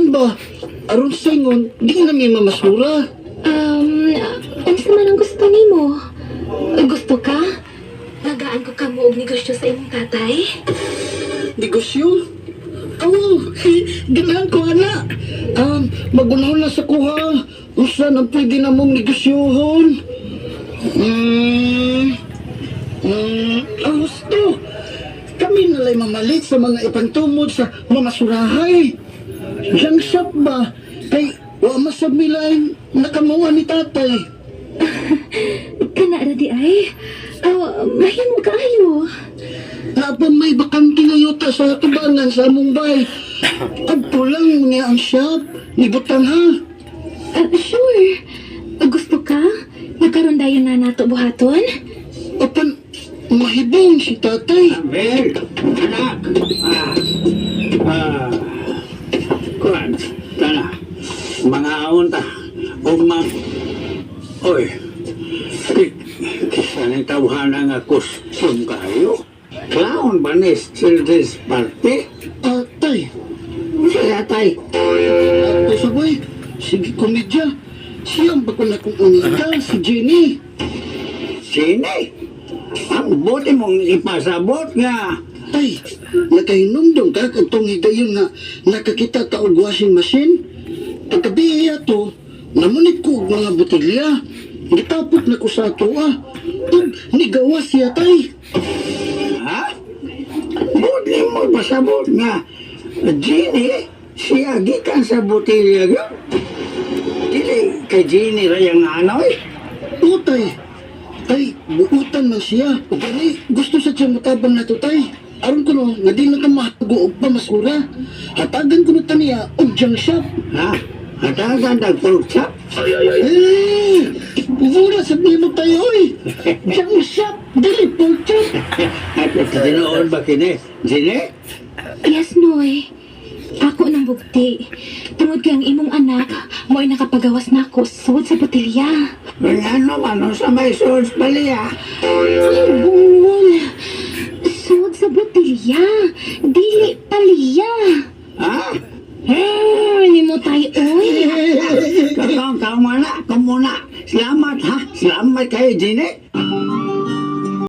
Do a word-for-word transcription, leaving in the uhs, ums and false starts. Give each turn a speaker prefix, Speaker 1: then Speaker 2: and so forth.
Speaker 1: Masin ba? Aron singon, di na may mamasura.
Speaker 2: Um, ano sa man ang gusto nimo? Gusto ka? Nagaan ko ka mo og negosyo sa imong tatay?
Speaker 1: Negosyo? Oo, ganahan ko, ana. Um, magunahon na sa kuha. Usa na pwede na mong negosyohon. Hmm... Hmm... Ang gusto. Kami nalay mamalit sa mga ipangtumod sa mamasurahay. Yang shop ba? Kay wa masabilay nakamuha ni tatay.
Speaker 2: Kana ra di ay? Oh, mahimo kaayo.
Speaker 1: Napa may bakante ngayota sa tubangan sa among bay. Agpo lang niya ang shop. Nibutan ha.
Speaker 2: Uh, sure. Gusto ka? Nagkaroon dayon na nato buhaton?
Speaker 1: Apan, mahibong si tatay.
Speaker 3: Mel, anak. Ah, ah, kuwan, tana, mga unta, umang, oy, kisanay tawhanan nga costume kayo. Clown ba ni children's party?
Speaker 1: Ah, tay.
Speaker 3: Saya tay.
Speaker 1: Tay sabay. Sige, komedya. Siyang ba ko na kung unika, si Jenny.
Speaker 3: Sine? Ang buti mong ipasabot nga.
Speaker 1: Tay, nakahinumdong ka kung higayon nga nakakita ta og washing machine. Pagkabiya to, namunit ko og mga botelya. Gitapot na ko sa ato ah. Ug nigawas siya tay.
Speaker 3: Ha? Buti mo pasabot nga. Gini, siya gikan sa botelya yun. Dili kay Gini rayang anoy.
Speaker 1: Utay. Tay, buutan man siya. O gani, gusto sa siya matabang na to tay. Aron ko no, nga di na ka mahago og pamasura. Hatagan ko na taniya og junk shop.
Speaker 3: Ha? Hatagan nag-pork chop?
Speaker 1: Eh, mura sabihin mo tayo oy. Junk shop, dili pork chop.
Speaker 3: At tinoon ba kini? Gini?
Speaker 2: Yes, Noy. Ako nang bugti. Tungod kay ang imong anak, mo'y nakapagawas na ako sud sa botelya.
Speaker 3: Ano man sa may sauce baliya?
Speaker 2: Ay, bungol. Sud sa botelya. Dili paliya.
Speaker 3: Ha?
Speaker 2: Ah, ni mo tayo, oy.
Speaker 3: Kakang kamana, kamuna. Salamat ha. Salamat kayo, Gini.